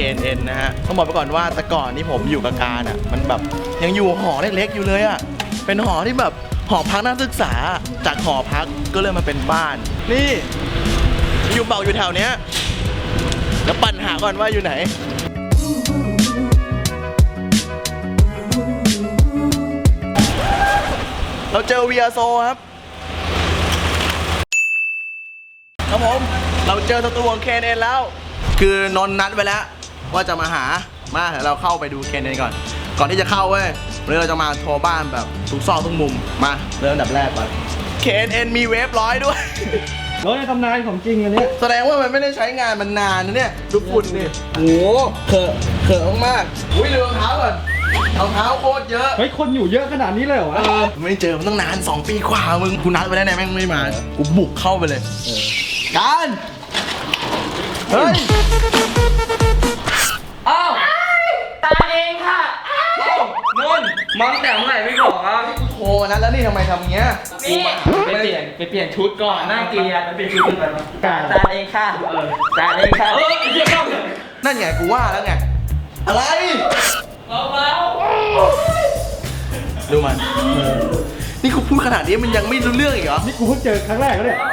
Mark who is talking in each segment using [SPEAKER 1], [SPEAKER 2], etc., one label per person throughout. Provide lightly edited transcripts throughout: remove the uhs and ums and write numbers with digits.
[SPEAKER 1] KNN นะฮะต้องบอกไปก่อนว่าแต่ก่อนที่ผมอยู่กับการอ่ะมันแบบยังอยู่หอเล็กๆอยู่เลยอ่ะเป็นหอที่แบบหอพักนักศึกษาจากหอพักก็เลยมาเป็นบ้านนี่อยู่เป่าอยู่แถวเนี้ยแล้วปั่นหาก่อนว่าอยู่ไหนเราเจอเวียโซครับครับผมเราเจอศัตรูของเคนเอ็นแล้วคือนนนัดไว้แล้วว่าจะมาหามาเดี๋ยวเราเข้าไปดูเคนเอ็นก่อนที่จะเข้าเว้ยวันนี้เราจะมาทัวร์บ้านแบบทุกซอกทุกมุมมาเริ่มอันดับแรกก่อนเคนเอ็นมีเวฟร้อยด้วย
[SPEAKER 2] รถในตำนานของจริงอันนี้
[SPEAKER 1] แสดงว่ามันไม่ได้ใช้งานมันนานนะเนี่ยดูฝุ่นดิโอ้เขอะมากๆอุ้ยดูรองเท้าก่อนรองเท้าโคตรเยอะ
[SPEAKER 2] เฮ้ยคนอยู่เยอะขนาดนี้เลยเหรอวะ
[SPEAKER 1] ไม่เจอมันตั้งนาน2 ปีกว่ามึงกูนัดไปแล้วเนี่ยแม่งไม่มากูบุกเข้าไปเลยการเฮ้ย
[SPEAKER 3] อ้าวตาเองค่ะนุ่นมองแต่เมื่อไหร่ไม่บอกครับ
[SPEAKER 1] โทรมานัดแล้วนี่ทำไมทำอย่างเงี้ย
[SPEAKER 3] นี่ไปเปลี่ยนชุดก่อนน่าเกลียดไปเปลี่ยนชุดก่อนตาเองค่ะตาเองค่ะเดี๋ยว
[SPEAKER 1] นั่นไงกูว่าแล้วไงอะไร
[SPEAKER 3] เบา
[SPEAKER 1] ดูมันนี่กูพูดขนาดนี้มันยังไม่รู้เรื่องอีกเหรอ
[SPEAKER 2] นี่กูเพิ่งเจอครั้งแรกแล้วเนี่ย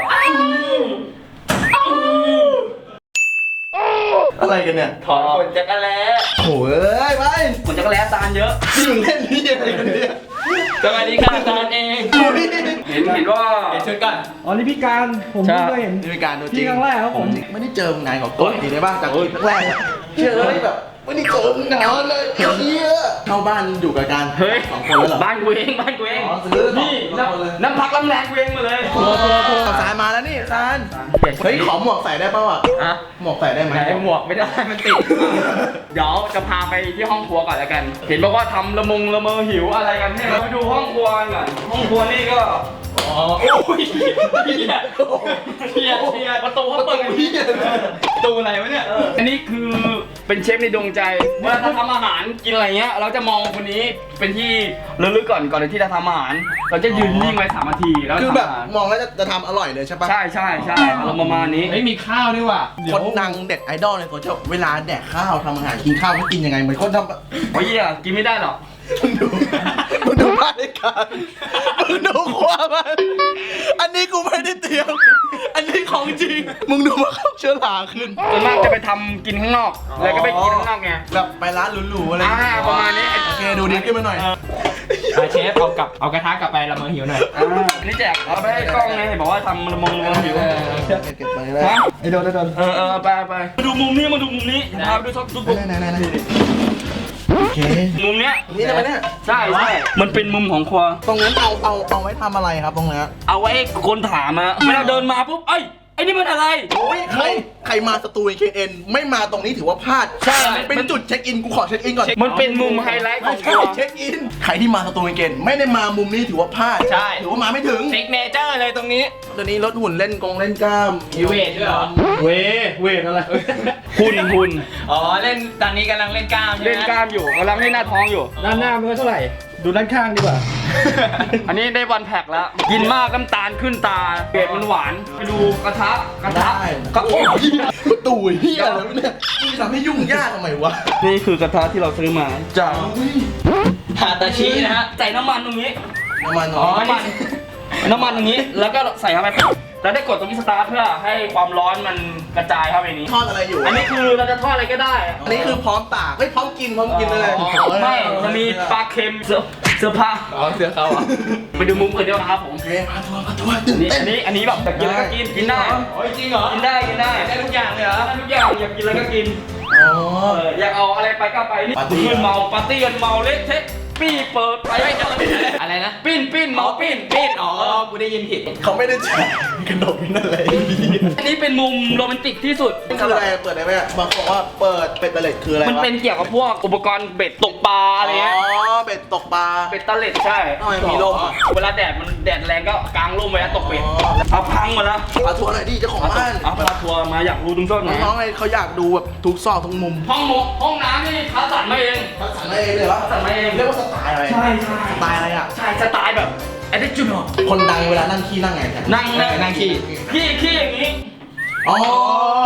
[SPEAKER 1] อะไรกันเนี่ย
[SPEAKER 3] ถอนขนจักรแล้
[SPEAKER 1] โอ้ยไป
[SPEAKER 3] ขนจักรแล้ตาเยอะ
[SPEAKER 1] นี่มึงเล่นนี่อะไรกันเนี่ย
[SPEAKER 3] สวัสดีค่ะตาเองเห็นว่าเห็นชุดกัน
[SPEAKER 2] อ๋อนี่พี่การผมเพิ่งเคยเห็น
[SPEAKER 1] นี่เป็นการดูจริง
[SPEAKER 2] พี่ครั้งแรกครับผม
[SPEAKER 1] ไม่ได้เจอมึงนานกว่าก่อนดีได้ป่ะจากคลิปแรกเชื่อเลยแบบไม่ได้เจอมึงนานเลยเฮียเข้าบ้านอยู่กับการ2 คนแล้วเหรอ
[SPEAKER 3] บ้านกูเองนี่น้ำพักน้ำแรงกูเองมาเลย
[SPEAKER 1] สายมาแล้วนี่ซานเฮ้ยขอหมวกใส่ได้ป่าวอ่ะหมวกใส่ได้ไหม
[SPEAKER 3] หมวกไม่ได้มันติดเดี๋ยวจะพาไปที่ห้องครัวก่อนแล้วกันเห็นบอกว่าทำละเมอหิวอะไรกันเนี่ยเราไปดูห้องครัวก่อนห้องครัวนี่ก็โอ้ยเฮียประตูเขาเปิดประตูอะไรวะเนี่ยอันนี้คือเป็นเชฟในดวงใจเวลาทำอาหารกินอะไรเงี้ยเราจะมองคนนี้เป็นที่ระลึกก่อนที่จะทำอาหารเราจะยืนนิ่งไว้3 นาทีแล้ว
[SPEAKER 1] คือแบบมองแล้วจะทำอร่อยเลยใช่ปะ
[SPEAKER 3] ใช่เราประมาณนี้
[SPEAKER 2] ไม่มีข้าวด้วยว่ะ
[SPEAKER 1] คนดังเด็ดไอดอลในโซเชียลเวลาแดกข้าวทำอาหารกินข้าวเขากินยังไงเหมือนคนทำ
[SPEAKER 3] โอ้ยกินไม่ได้หรอก
[SPEAKER 1] มึงดูบ้านในการมึงดูครัวมันอันนี้กูไม่ได้เตรียมอันนี้ของจริงมึงดูว่าเขาเชื้อราขึ้น
[SPEAKER 3] ส่วนมากจะไปทำกินข้างนอกแล้วก็ไปกินข้างนอกไง
[SPEAKER 1] แบบไปร้านหรูๆอะไร
[SPEAKER 3] ประมาณนี้
[SPEAKER 1] โอเคดูดีขึ้นมาหน่อย
[SPEAKER 2] เชฟเอากระทะกลับไปละเมอหิวหน่อย
[SPEAKER 3] นี่แจกเอาไปให้กล้องไงบอกว่าทำละเมอหิว
[SPEAKER 1] เก็บไปเลย
[SPEAKER 2] ไอ้โดน
[SPEAKER 3] ไปมาดูมุมนี้พาไปดูช็อปดูปุ๊บ
[SPEAKER 1] โอเค
[SPEAKER 3] มุมเนี้ย
[SPEAKER 1] นี่ทำไมเนี่ย
[SPEAKER 3] ใช่มันเป็นมุมของครัว
[SPEAKER 1] ตรงนั้นเอาไว้ทำอะไรครับตรงนี้
[SPEAKER 3] เอาไว้คนถามอะเวลาเดินมาปุ๊บไอ้นี่มันอะไร
[SPEAKER 1] ใครมาสตูดิโอเคนไม่มาตรงนี้ถือว่าพลาด
[SPEAKER 3] ใช่
[SPEAKER 1] เป็นจุดเช็คอินกูขอเช็คอินก่อน
[SPEAKER 3] มันเป็นมุมไฮไลท์ของครัว
[SPEAKER 1] เช็คอินใครที่มาสตูดิโอเคนไม่ได้มามุมนี้ถือว่าพลาด
[SPEAKER 3] ใช่
[SPEAKER 1] ถือว่ามาไม่ถึง
[SPEAKER 3] ซิกเนเจอร์เลยตรงนี้
[SPEAKER 1] ตอนนี้รถหุ่นเล่นกล้าม
[SPEAKER 3] มีเวทด้วยเหรอ
[SPEAKER 2] เวทอะไร
[SPEAKER 3] หุ่น
[SPEAKER 4] อ๋อเล่นตอนนี้กำลังเล่นกล้าม
[SPEAKER 3] เล่นกล้ามอยู่กำลังเล่นหน้าท้องอยู่
[SPEAKER 2] ด้านหน้ามันเท่าไหร่ดูด้านข้างดีกว่า
[SPEAKER 3] อันนี้ได้วันแพ็กแล้วกินมากน้ำตาลขึ้นตาเกล็ดมันหวานไปดูกระทะ
[SPEAKER 1] ก็โอ้ยตู่เฮียแล้วเนี่ยทำให้ยุ่งยากทำไมวะ
[SPEAKER 3] นี่คือกระทะที่เราซื้อมา
[SPEAKER 1] จาก
[SPEAKER 4] ฮาตาชินะฮะ
[SPEAKER 3] ใส่น้ำมันตรงนี้
[SPEAKER 1] น้ำมัน
[SPEAKER 3] ตรงนี้แล้วก็ใส่เข้าไปแล้วได้กดตรงนี้สตาร์ทเพื่อให้ความร้อนมันกระจายเข้าไปนี้
[SPEAKER 1] ทอดอะไรอยู่
[SPEAKER 3] อันนี้คือเราจะทอดอะไรก็ได้
[SPEAKER 1] อันนี้คือพร้อมตากพร้อมกินเลย
[SPEAKER 3] ไม่มันมีปลาเค็มเสื้อผ้า
[SPEAKER 4] เสื้อเขา
[SPEAKER 3] ไปดูมุมอื่นดีกว่าครับผม
[SPEAKER 1] มาทัวร์ตื่นเต้น
[SPEAKER 3] อันนี้แบบกินแล้วก็กินได้
[SPEAKER 4] โอ้ยจริงเหรอ
[SPEAKER 3] กินได้
[SPEAKER 4] ได้ทุกอย่างเลยเหรอ
[SPEAKER 3] ได้ทุกอย่างอยากกินแล้วก็กินอยากเอาอะไรไปก็ไปนี่คือเมาปาร์ตี้กันเมาเละเทะปี้เปิดไป
[SPEAKER 4] อะไรนะ
[SPEAKER 3] ปิ้นเมาปิ้น
[SPEAKER 4] อ๋อกูได้ยินผิด
[SPEAKER 1] เขาไม่ได้แจกขนมนั่นอะไร
[SPEAKER 3] อันนี้เป็นมุมโรแมนติกที่สุด
[SPEAKER 1] คืออะไรเปิดได้ไหมบางคนบอกว่าเปิดเป็ดตะเล็ดคืออะไร
[SPEAKER 3] มันเป็นเกี่ยวกับพวกอุปกรณ์เบ็ดตกปลาอะไรเงี้ย
[SPEAKER 1] เบ็ดตกปลา
[SPEAKER 3] เป็ดตะเล็ดใช่มีลมเวลาแดดแรงก็กางร่มไว้แล้วตกเป็ดเอาพังหมดแล้ว
[SPEAKER 1] พาทัวร์หน่อยดิเจ้าของบ้าน
[SPEAKER 3] เอาพาทัวร์มาอยากดูทุกซอก
[SPEAKER 1] น้องๆไงเขาอยากดูแบบทุกซอกทุกมุม
[SPEAKER 3] ห้องน้ำนี่คัดสรรมาเอง
[SPEAKER 1] เลยเหรอ
[SPEAKER 3] สั่งมาเอง
[SPEAKER 1] เรียกว่าสไตล์อะไร
[SPEAKER 3] ใช่
[SPEAKER 1] สไตล์อะไรอ่ะ
[SPEAKER 3] ใช่สไตล์แบบไอ้เด็กจุดหรอ
[SPEAKER 1] คนดังเวลานั่งขี้นั่งไง
[SPEAKER 3] นั่งขี้อย่างนี้
[SPEAKER 1] อ๋อ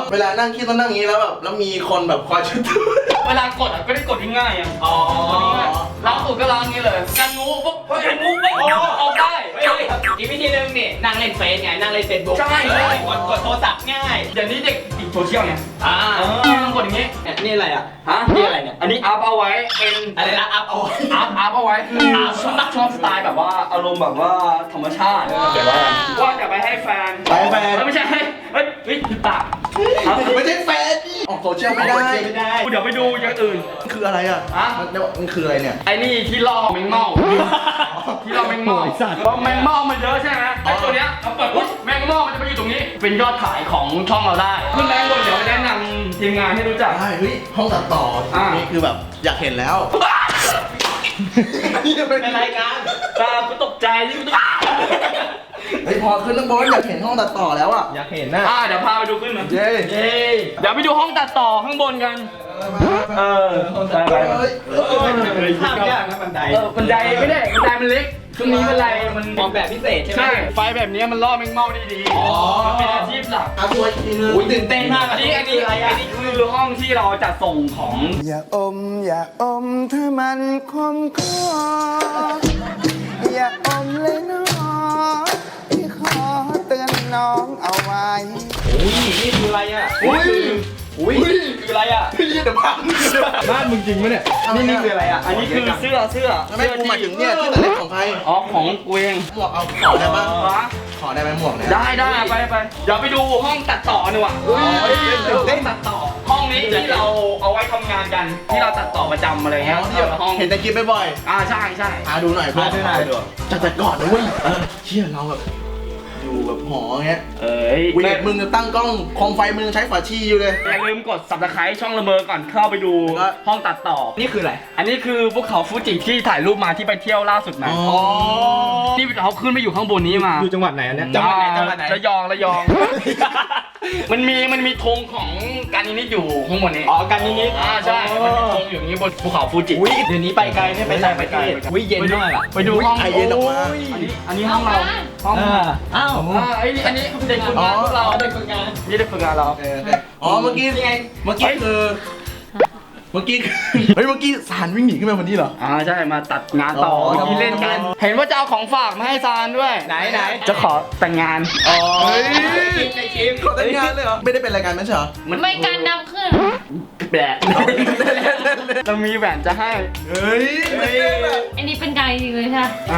[SPEAKER 1] เวลานั่งคิดต้องนั่งอย่างนี้แล้วแบบแล้วมีคนแบบคอยช่วยดู
[SPEAKER 3] เวลากดอ่ะก็ได้กดง่ายๆอ่ะล้างตูดก็ล้างอย่างนี้เลยกันงูปุ๊บกันงูปุ๊บเอาได้
[SPEAKER 4] อีกวิธีหนึงนี่นั่งเล่นเฟซไงนั่งเล่นเฟซบุ๊ก
[SPEAKER 3] ใช่
[SPEAKER 4] กดโทรศัพท์ง่าย
[SPEAKER 3] เดี๋ยวนี้เด็กติดโซเชียลไง ต้องกดอย่างนี้
[SPEAKER 4] เนี่ยนี่อะไรอ่ะ
[SPEAKER 3] ฮะ
[SPEAKER 4] นี่อะไรเนี่ย
[SPEAKER 3] อันนี้อัพเอาไว้เป็น
[SPEAKER 4] อะไรนะอัพเอา
[SPEAKER 3] อัพเอาไว้คือชอบสไตล์แบบว่าอารมณ์แบบว่าธรรมชาติว่าจะไปให้แฟน
[SPEAKER 1] ไปแฟน
[SPEAKER 3] ไม่ใช่เฮ้ยผิดปาก
[SPEAKER 1] ไม่ใช่แฟนออกโซเชียลไม่ได้
[SPEAKER 4] ไม่ได้
[SPEAKER 3] เดี๋ยวไปดูอย่างอื่น
[SPEAKER 1] มันคืออะไรอ่ะ
[SPEAKER 3] ฮะ
[SPEAKER 1] มันคืออะไรเนี่ย
[SPEAKER 3] ไอ้นี่ที่ล่อแมงเม่าที่ล่อแมงเม่าเพราะแมงเม่ามันเยอะใช่ไหมไอ้ตัวเนี้ยเราเปิดปุ๊บแมงเม่ามันจะมาอยู่ตรงนี้ เป็นยอดขายของช่องเราได้ขึ้นแรงบนเดี๋ยวไปแนะนำทีมงานให้รู้จัก
[SPEAKER 1] ใช่เฮ้ยห้องตัดต่อนี่คือแบบอยากเห็นแล้ว
[SPEAKER 4] เป็นรายการ
[SPEAKER 3] กูตกใจที่กูตก
[SPEAKER 1] เฮ้ยพอขึ้นข้างบนอยากเห็นห้องตัดต่อแล้วอ่ะ
[SPEAKER 2] อยากเห็นนะ
[SPEAKER 3] เดี๋ยวพาไปดูขึ้นมา
[SPEAKER 1] เย้
[SPEAKER 3] เดี๋ยวไปดูห้องตัดต่อข้างบนกัน ไป
[SPEAKER 4] ภาพยากนะบันได
[SPEAKER 3] บันไดไม่ได้บันไดมันเล็กช่วงนี้บันไดมัน
[SPEAKER 4] ออกแบบพิเศษใช่ไหม
[SPEAKER 3] ใช่ไฟแบบนี้มันล่อแมงเม่าได้ดีมันเป็นอาชีพหลัก
[SPEAKER 1] เอาตัวอีกทีนึง
[SPEAKER 4] อุ้ยตื่นเต้นมาก
[SPEAKER 3] อันนี้คือห้องที่เราจัดส่งของ
[SPEAKER 5] อย่าอมถ้ามันคมคออย่าอมเลยน้องพี่ขอเตือนน้องเอาไว้
[SPEAKER 4] อุ้ยนี่คืออะไรอ่ะ
[SPEAKER 1] อุ้ย
[SPEAKER 4] คืออะไรอ่ะ
[SPEAKER 1] พี่เดี๋ยวพัง
[SPEAKER 2] บ้านมึงจริงปะเนี่ย
[SPEAKER 4] นี่คืออะไรอ่ะ
[SPEAKER 3] อันนี้คือเสื้อ
[SPEAKER 1] ไม่กูหมายถึงเนี่ยที่ตัดเล็บของใคร
[SPEAKER 3] อ๋อของกูเอง
[SPEAKER 1] หมวกเอาขอได้ปะ
[SPEAKER 3] วะ
[SPEAKER 1] ขอได้ไหมหมวกเนี่ย
[SPEAKER 3] ได้ไปเดี๋ยวไปดูห้องตัดต่อหน่อยว่ะได้ตัดต่อห้องนี้ที่เราเอาไว้ทำงานกันที่เราตัดต่อประจำอะไรเงี้ย
[SPEAKER 1] ที่แบบ
[SPEAKER 3] ห้อง
[SPEAKER 1] เห็นในคลิปบ่อย
[SPEAKER 3] ใช่
[SPEAKER 1] ๆหาดูหน่อยเพื่อนจากแต่ก่อนนะเว้ยเชี่ยเราแบบอยู่แบบหอเงี้ย
[SPEAKER 3] เอ้ย
[SPEAKER 1] เวทมึงจะตั้งกล้องคอมไฟมึงใช้ฝาชีอยู่เลย
[SPEAKER 3] อย่าลืมกด subscribe ช่องละเมอก่อนเข้าไปดู
[SPEAKER 1] แล้ว
[SPEAKER 3] ห้องตัดต่อ
[SPEAKER 4] นี่คืออะไร
[SPEAKER 3] อันนี้คือภูเขาฟูจิที่ถ่ายรูปมาที่ไปเที่ยวล่าสุดมา
[SPEAKER 1] อ๋อ
[SPEAKER 3] ที่เขาขึ้นไปอยู่ข้างบนนี้มา
[SPEAKER 2] อยู่จังหวัดไหนอันเนี้ย
[SPEAKER 4] จังหวัดไหน
[SPEAKER 3] ระยอง มันมีธงของการนิดอยู่ข้างบนนี้
[SPEAKER 4] อ๋อกันนิด
[SPEAKER 3] ใช่มันมีธงอยู่อย่างนี้บนภูเขาฟูจิ
[SPEAKER 4] อุ้ยเดี๋ยวนี้ไปไกลไม่ไปต่างประเทศอุ้ยเย็นมากอ่ะ
[SPEAKER 3] ไปดูห้อง
[SPEAKER 1] ไอเย็นออกมา
[SPEAKER 3] อันนี้ห้องเราห้อง
[SPEAKER 4] อ้าว
[SPEAKER 3] อันนี้เด็กฝึกงานพวกเรา
[SPEAKER 4] เด็กฝึกงาน
[SPEAKER 3] นี่เด็กฝึกงานเรา
[SPEAKER 1] อ๋อเมื่อกี้คือเมื่อกี้สารวิ่งหนีขึ้นมาวันนี้เหรอ
[SPEAKER 3] ใช่มาตัดงานต่อ
[SPEAKER 1] อ๋อ
[SPEAKER 3] เมื่อกี้เล่นกัน เห็นว่าจะเอาของฝากมาให้ซานด้วย
[SPEAKER 4] ไหน
[SPEAKER 3] จะขอแต่งงาน
[SPEAKER 1] อ๋อ
[SPEAKER 3] เฮ้ย
[SPEAKER 4] ในคลิป
[SPEAKER 1] ขอแต่งงานเลยเหรอไม่ได้เป็นรายการไม่ใช่เหรอ
[SPEAKER 6] ไม่การดำขึ้น
[SPEAKER 3] แบะเรามีแหวนจะให้
[SPEAKER 1] เฮ้ย
[SPEAKER 6] อันนี้เป็นการจริงเลยใช่ไหม
[SPEAKER 3] อ่ะ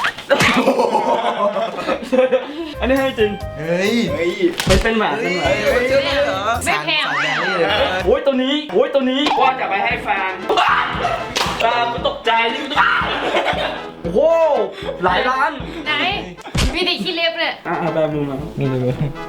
[SPEAKER 3] อันนี้ให้จริง
[SPEAKER 1] เฮ้ย
[SPEAKER 3] มันเป็นแหวน
[SPEAKER 1] เฮ้
[SPEAKER 3] เป็นแหวน
[SPEAKER 1] ยเชื่อได้เหรอ
[SPEAKER 6] ไม่แพง
[SPEAKER 1] สารแดงนี่เลย
[SPEAKER 3] โอ้ยตัวนี้ว่าจะไปให้แฟนกูตกใจที่กูตกโอ้โหหลายล้าน
[SPEAKER 6] ไหนมีแต่ขี้เล็บเลย
[SPEAKER 3] แบบมึงนะ
[SPEAKER 2] นี่เลย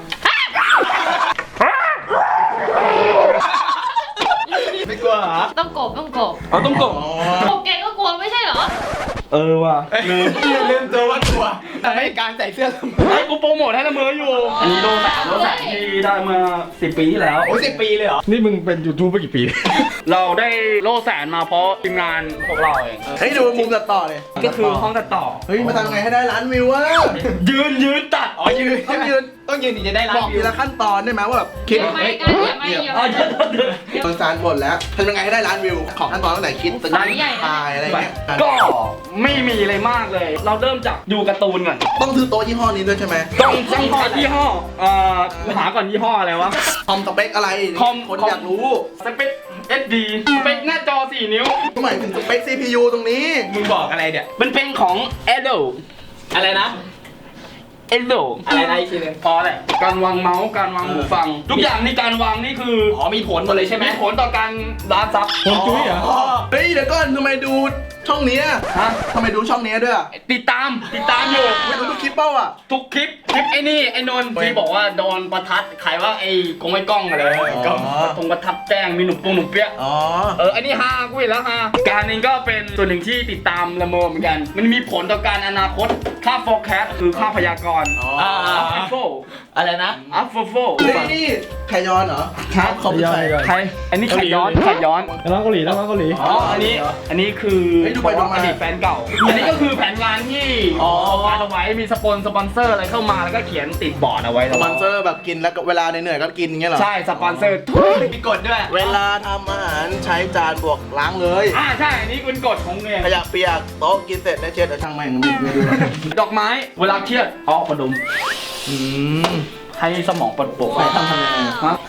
[SPEAKER 4] ไม่กลัวเหรอ
[SPEAKER 6] ต้องกบ
[SPEAKER 3] ต้องกบ
[SPEAKER 6] กบแกก็กลัวไม่ใช่เหรอ
[SPEAKER 3] ว่ะลืม
[SPEAKER 4] ตัวว่ากลัวแต่ไม่การใส่เสื้อ
[SPEAKER 3] ให้กูโปรโมทให้ละเมออยู่ อันนี้โลแสนที่ได้มา10 ปีที่แล้ว
[SPEAKER 4] โอ้ย10 ปีเลยเหรอ
[SPEAKER 2] นี่มึงเป็นยูทูบมากี่ปี
[SPEAKER 3] เราได้โล่แสนมาเพราะทีมงานพวกเราเอง
[SPEAKER 1] เฮ้ยดูมุมตัดต่อเลย
[SPEAKER 3] ก็คือห้องตัดต่อ
[SPEAKER 1] เฮ้ยมาทำไงให้ได้ล้านวิววะ
[SPEAKER 3] ยืนตัด
[SPEAKER 4] อ๋อยืน
[SPEAKER 1] ต้องยืน
[SPEAKER 4] ต้องยืนถึงจะได้รั
[SPEAKER 1] บอก
[SPEAKER 4] วิ
[SPEAKER 1] ที
[SPEAKER 4] ว
[SPEAKER 1] ละขั้นตอนได้ไหมว่าแบบคิด
[SPEAKER 6] อย่าไม่กันอย่าไม่อย่า
[SPEAKER 3] อ๋อ
[SPEAKER 6] ไม่
[SPEAKER 1] ตอนซานบ่นแล้วทำยังไงให้ได้ล้านวิวของขั้นตอนตั้งแต่คิดตึง
[SPEAKER 6] สายใหญ่นะ
[SPEAKER 1] ตายอะไรเงี้ย
[SPEAKER 3] ก็ไม่มีอะไรมากเลย เราเริ่มจากดูการ์ตูนก่อน
[SPEAKER 1] ต้องซื้อโต๊ะยี่ห้อนี้ด้วยใช่ไหม
[SPEAKER 3] ต้องหายี่ห้อหาก่อนยี่ห้ออะไรวะ
[SPEAKER 1] คอมสเปคอะไร
[SPEAKER 3] คอม
[SPEAKER 1] คนอยากรู้
[SPEAKER 3] สเปค SD สเปคหน้าจอ 4 นิ้ว
[SPEAKER 1] หมายถึงสเปค CPU ตรงนี้
[SPEAKER 4] มึงบอกอะไรเนี่ย
[SPEAKER 3] มันเป็นของ Edo
[SPEAKER 4] อะไรนะ
[SPEAKER 3] Edo
[SPEAKER 4] อะไรนะอีกทีนึง
[SPEAKER 3] พอแหละการวางเมาส์การวางหูฟัง ทุกอย่างในการวางนี่คือ
[SPEAKER 4] อ๋อมีผลหมดเลยใช่ไหม
[SPEAKER 3] มีผลต่อการร้านซับ
[SPEAKER 2] ผมจุ้ยเหรอ
[SPEAKER 1] เฮ้ยเดี๋ยวก่อนทำไมดูช่องเนี้ย
[SPEAKER 3] ฮะ
[SPEAKER 1] ทำไมดูช่องเนี้ยด้วยอะ
[SPEAKER 3] ติดตามอยู่
[SPEAKER 1] ไม่ดูทุกคลิปเป้าอ่ะ
[SPEAKER 3] ทุกคลิปไอ้นี่ไอ้นนท์ที่บอกว่าโดนประทัดขายว่าไอ้กงไอ้กล้องอะไร
[SPEAKER 1] อ๋อ
[SPEAKER 3] กล้องตรงประทัดแจ้งมีหนุ่มปงหนุ่มเปี้ย
[SPEAKER 1] อ๋อ
[SPEAKER 3] อันนี้ฮากูอีกแล้วฮาการเองก็เป็นส่วนหนึ่งที่ติดตามละเมอเหมือนกัน มันมีผลต่อการอนาคตค่า forecast คือค่าพยากรณ์
[SPEAKER 1] อ๋อ
[SPEAKER 3] อัฟโฟ
[SPEAKER 4] อะไรนะ
[SPEAKER 3] อัฟโฟ
[SPEAKER 1] เฮ้ยนี่ไขย้อนเหรอ
[SPEAKER 3] ครับ
[SPEAKER 1] เขาเป็นใคร
[SPEAKER 3] ใครอันนี้ไข่ย้อน
[SPEAKER 2] แล้วเกาหลีแล้วเกาหลี
[SPEAKER 3] อันนี้คือ
[SPEAKER 1] เฮ้ยดูไปดูมา
[SPEAKER 3] อดีตแฟนเก่า อันนี้ก็คือแผนงานที่วางเอาไว้มีสปอนเซอร์อะไรเข้ามาแล้วก็เขียนติดบอร์ดเอาไว้
[SPEAKER 1] สปอนเซอร์แบบกินแล้วก็เวลาเหนื่อยๆก็กินอย่างเงี้ยเหรอ
[SPEAKER 3] ใช่สปอนเซอร์
[SPEAKER 4] มีกฎด้วย
[SPEAKER 1] เวลาทำอาหารใช้จานบวกล้างเลย
[SPEAKER 3] ใช่อันนี้เป็นกฎของเอง
[SPEAKER 1] ขยะเปียกโต๊ะกินเสร็จได้เช็ดเอาช่างแม่งไม่ดู
[SPEAKER 3] ดอกไม้เวลาเครียดเอากระดุม
[SPEAKER 1] ม
[SPEAKER 3] ให้สมองปลดปล่อย
[SPEAKER 1] ไปทำยังไง
[SPEAKER 3] ฮะ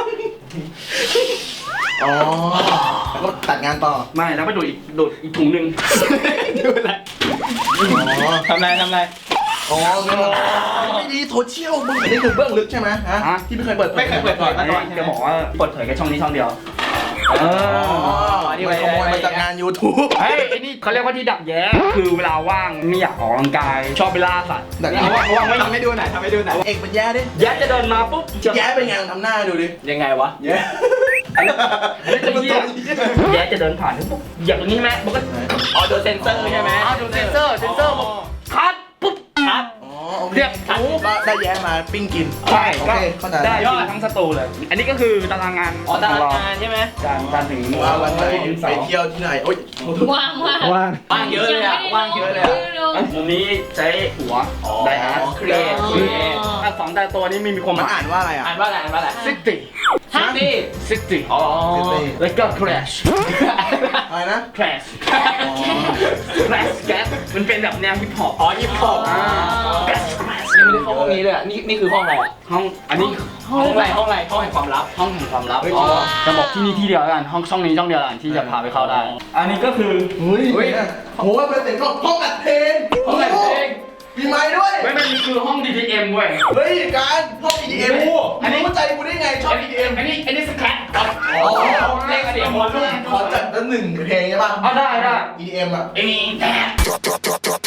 [SPEAKER 1] อ๋อแล้วก็ตัดงานต่อ
[SPEAKER 3] ไม่แล้วไปดูอีกถุงหนึ่ง
[SPEAKER 4] ดูอะไร
[SPEAKER 1] อ๋อ
[SPEAKER 4] ทำอะไร
[SPEAKER 1] อ๋อไม่ดีโซเชียลมึงอันนี้คือเบื้องลึกใช่ไหมฮะ
[SPEAKER 3] ฮะ
[SPEAKER 1] ที่ไม่เคยเปิด
[SPEAKER 4] ไม่เคยเปิดเผยมาก่อน
[SPEAKER 3] จะบอกว่าเปิดเผยแค่ช่องนี้ช่องเดียว
[SPEAKER 1] อ๋อมันขโมยมาจากงาน YouTube
[SPEAKER 3] เฮ้ยไอ้นี่เขาเรียกว่าที่ดักแย้คือเวลาว่างไม่อยากออกกำลังกาย ชอบไปล่าสัตว์
[SPEAKER 1] ดักแย้
[SPEAKER 3] ว่างไม่
[SPEAKER 4] ทำให้ดูหน่อยทำให้ดูหน่อย
[SPEAKER 1] เอกเป็นแย่ดิ
[SPEAKER 3] แย้จะเดินมาปุ๊บจะ
[SPEAKER 1] แย่เป็นไงทำหน้าดูดิ
[SPEAKER 4] ยังไงวะ
[SPEAKER 1] แย่
[SPEAKER 3] อันนี้จะเหี้ยแย้จะเดินผ่านปุ๊บอย่างตรงนี้ไหมมันก็
[SPEAKER 4] อ๋อโดนเซ็นเซอร์ใช่ไหม
[SPEAKER 3] ดูเซนเซอร์บอกคัดปุ๊บ
[SPEAKER 4] ครับ
[SPEAKER 1] อ๋อโอเค
[SPEAKER 3] เรียก
[SPEAKER 1] ก็ได้แย่มาปิ้งกิน
[SPEAKER 3] ใช่
[SPEAKER 1] โอ
[SPEAKER 3] ก็
[SPEAKER 1] เคเข้าใจ
[SPEAKER 3] ได้ยอดทั้งสตูเลย อันนี้ก็คือตารางงาน
[SPEAKER 4] อ๋อตาราง
[SPEAKER 3] ข
[SPEAKER 4] งานใช่ไหม
[SPEAKER 3] จานถึง
[SPEAKER 1] ว่าวันไหนไปเที่ยวที่ไหนโอ๊ย
[SPEAKER 6] ว่าง
[SPEAKER 4] ว่างเยอะเลยอะว่างเยอะเลยอะ
[SPEAKER 3] มุมนี้ใช้หัวไดอาร์ต
[SPEAKER 4] เครียด
[SPEAKER 3] สองแต่ตัวนี้ไม่มีความห
[SPEAKER 1] มัน
[SPEAKER 3] มาย
[SPEAKER 1] อ่านว่าอะไรอ่ะ
[SPEAKER 4] อ่านว่าอะไรอ่านว่าอะไร
[SPEAKER 3] ซิตี้
[SPEAKER 4] ซิตี้
[SPEAKER 3] ซิตี้
[SPEAKER 4] อ๋อ
[SPEAKER 3] แล้วก็ crash
[SPEAKER 1] อะไรนะ
[SPEAKER 3] crash crash gas มันเป็นแบบแนวฮิปฮอป
[SPEAKER 4] อ๋อยิปฮอป
[SPEAKER 3] crash crash
[SPEAKER 4] ยังไม่ได้เข้าห้องนี้เลยอ่ะนี่คือห้องอะไรอ่ะ
[SPEAKER 3] ห้องอันนี้
[SPEAKER 4] ห้องอะไรห้องแห่งความลับ
[SPEAKER 3] ห้องแห่งความลับ
[SPEAKER 4] อ๋อ
[SPEAKER 3] จะบอกที่นี่ที่เดียวกันห้องช่องนี้ช่องเดียวกันที่จะพาไปเข้าได้ อันนี้ก็คือ
[SPEAKER 1] อุ้ยโหเป็นเสียงห้องอัดเพลง
[SPEAKER 3] ห้องอัดเพลง
[SPEAKER 1] มีไม้ด้วย
[SPEAKER 3] ไม่นี่คือห้อง DTM เว้ย
[SPEAKER 1] เฮ้ยการห้อง EDM อันนี้เข้าใจกูได้ไงชอบ EDM
[SPEAKER 3] อันนี้สแครป
[SPEAKER 1] อ๋อ
[SPEAKER 4] เลขเสียงหัวรุ่น
[SPEAKER 1] ขอจัดละหนึ่งเพลงใช่ป่ะ
[SPEAKER 3] เอาได้
[SPEAKER 1] EDM อ่ะ
[SPEAKER 3] ไอ้นี่แดด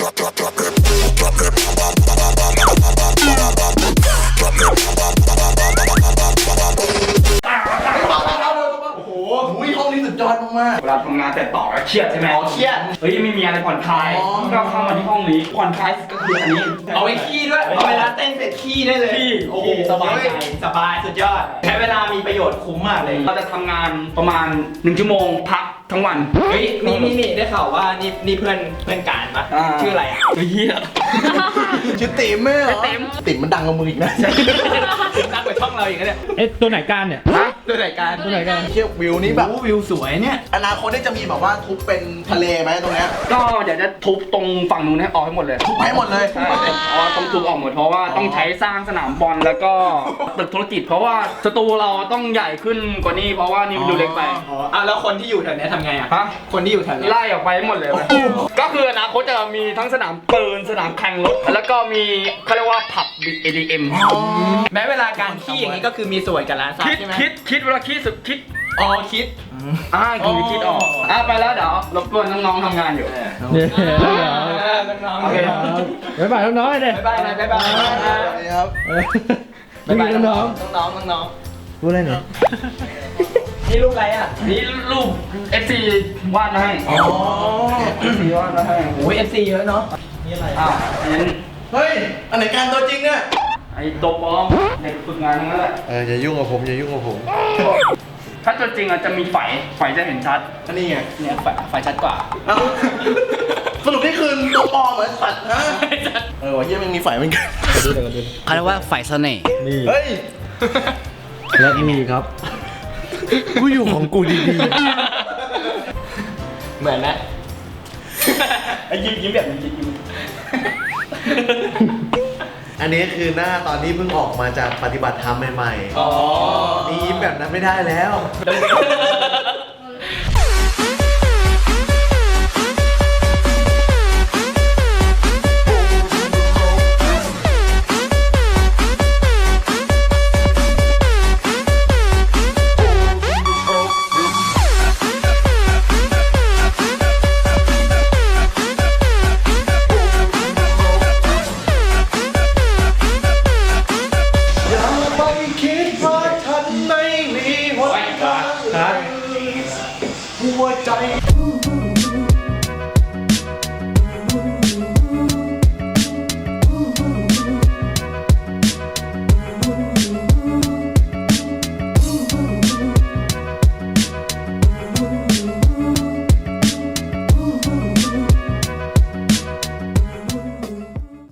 [SPEAKER 1] โอ้โหห้องนี้สุดยอดมาก
[SPEAKER 3] เวลาทำงานแต่ต่อแล้วเครียดใช่ไหม
[SPEAKER 1] ๆอ๋อเครียด
[SPEAKER 3] เฮ้ยไม่มีอะไรผ่อนคลาย
[SPEAKER 1] อ๋อ
[SPEAKER 3] ก็เข้ามาที่ห้องนี้ผ่อนคลายก็คืออันนี้
[SPEAKER 4] เอาไว้ขี้ด้วยเอาเวลาเต้นเสร็จขี้ได้เลย
[SPEAKER 3] ขี้
[SPEAKER 4] โอ้โหสบายใจสบายสุดยอดใช้เวลามีประโยชน์คุ้มมากเลย
[SPEAKER 3] เราจะทำงานประมาณ1 ชั่วโมงพักทั้งวัน
[SPEAKER 4] เฮ้ยนี่ได้ข่าวว่านี่เพื่อนการปะชื่ออะไรอ่ะ
[SPEAKER 3] เฮีย
[SPEAKER 1] ชื่อติ๋มไม่เหรอ
[SPEAKER 3] ติ๋ม
[SPEAKER 1] ติ๋มมันดังกว่ามึงอีกนะ
[SPEAKER 4] นักกว่าช่องเราอีกนะเนี่ย
[SPEAKER 2] เอ๊ะตัวไหนการเนี่ย
[SPEAKER 4] ด้วยรายการ
[SPEAKER 2] ตัวไหนการ
[SPEAKER 1] เที่ยววิวนี้แบบ
[SPEAKER 4] วิวสวยเนี่ย
[SPEAKER 1] อนาคตนี่จะมีแบบว่าทุบเป็นทะเลไหมตรงเนี้ย
[SPEAKER 3] ก็เดี๋ยวจะทุบตรงฝั่งนู้นให้ออกให้หมดเลย
[SPEAKER 1] ทุบให้หมดเลย
[SPEAKER 3] ใช่ต้องทุบออกหมดเพราะว่าต้องใช้สร้างสนามบอลแล้วก็ตึกธุรกิจ เพราะว่าสตูเราต้องใหญ่ขึ้นกว่านี้เพราะว่านี่มันดูเล็กไป
[SPEAKER 4] อ๋อแล้วคนที่อยู่แถวเนี้ยทำไงอ่ะ
[SPEAKER 3] ฮะ
[SPEAKER 4] คนที่อยู่แถวเนี้ย
[SPEAKER 3] ไล่ออกไปให้หมดเลย ก็คืออนาคตจะมีทั้งสนามปืนสนามแข่งรถแล้วก็มีเขาเรียกว่าผับ EDM
[SPEAKER 4] แม้เวลาการขี้อย่างนี้ก็คือมีส่วนกับร้านซับ
[SPEAKER 3] คิด
[SPEAKER 4] ใช่ไหม
[SPEAKER 3] คิดเวลาคิดสุดคิด
[SPEAKER 4] อ๋อคิด
[SPEAKER 3] คิดออกไปแล้วเดี๋ยวรบกวนน้องๆทำงานอยู่
[SPEAKER 2] เนี่ยแล้วเดี๋ยว
[SPEAKER 4] น้อง
[SPEAKER 3] โอเค
[SPEAKER 2] บ๊ายบายน้องๆเลย
[SPEAKER 4] บ๊ายบายบ๊ายบาย
[SPEAKER 1] สวัสดีครับ
[SPEAKER 2] บ๊ายบายน้อง
[SPEAKER 4] น้อง
[SPEAKER 2] ๆพูดอะไรเนี่ย
[SPEAKER 4] นี่รูปอะไรอ่ะ
[SPEAKER 3] นี่รูป FC วาดมาให้
[SPEAKER 1] อ๋อ
[SPEAKER 3] FC วาดมาให้
[SPEAKER 4] โอ้ย FC เยอะเนาะนี่อะไร
[SPEAKER 3] อันนั้น
[SPEAKER 1] เฮ้ย อันไหนการตัวจริงเนี่ย
[SPEAKER 3] ไอ้ตัวปลอมเด็กฝึกงานทั้งนั้นแหละ
[SPEAKER 7] อย่ายุ่งกับผมอย่ายุ่งกับผม
[SPEAKER 3] ถ้าตัวจริงอ่ะจะมีไฟจะเห็นชัด
[SPEAKER 1] อันนี้ไง
[SPEAKER 4] เนี่ยไฟชัดกว่า
[SPEAKER 1] เอ้าสรุปนี่คือตัวปลอมเหมือนสัตว์นะว่าเฮียมันมีไฟเหมือนกัน
[SPEAKER 8] เขาเรียกว่าฝ่ายเสน่ห์
[SPEAKER 2] นี่
[SPEAKER 1] เฮ้ย
[SPEAKER 2] และนี่ครับ
[SPEAKER 7] กูอยู่ของกูดี
[SPEAKER 4] เหมือนไหม
[SPEAKER 3] ไอ้ยิ้มแบบนี้ยิ้ม
[SPEAKER 7] ๆ อันนี้คือหน้าตอนที่เพิ่งออกมาจากปฏิบัติธรรมใหม่
[SPEAKER 4] อ๋อ
[SPEAKER 7] ๆนี่ยิ้มแบบนั้นไม่ได้แล้ว